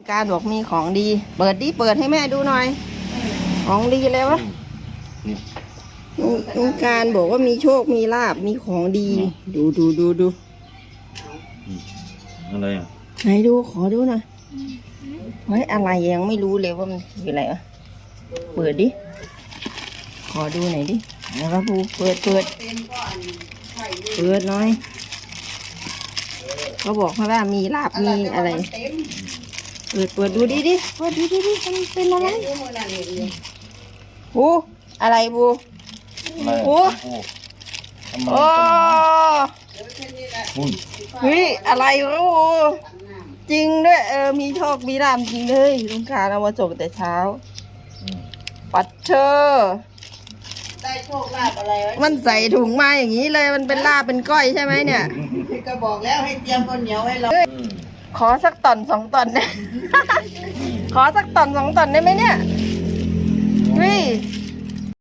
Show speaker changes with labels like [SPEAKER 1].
[SPEAKER 1] การบอกมีของดีเปิดดิเปิดให้แม่ดูหน่อยของดีเลยวะลุงการบอกว่ามีโชคมีลาบมีของดีดู
[SPEAKER 2] อะไรอ่ะ
[SPEAKER 1] ไหนดูขอดูหน่อยเฮ้ยอะไรยังไม่รู้เลยว่ามันคืออะไรวะเปิดดิขอดูหน่อยดินะครับปูเปิดหน่อยเขาบอกว่ามีลาบมีอะไรเปิดดูดิเปิดดูดิมันเป็นอะไรบูอะไรบูโอ้โอ้เฮ้ยอะไรวะบูจริงด้วยมีโชคมีลาภจริงเลยลุงการเอามาส่งแต่เช้าปัดเชอ
[SPEAKER 3] ได้โชคลาภอะไรวะ
[SPEAKER 1] มันใส่ถุงมาอย่างนี้เลยมันเป็นลาบเป็นก้อยใช่ไหมเนี่ย
[SPEAKER 3] ก็บอกแล้วให้เตรียมข้าวเหนียวให้เรา
[SPEAKER 1] ขอสักตอน2 ตอนนะขอสักตอน2 ตอนได้ไหมเนี่ย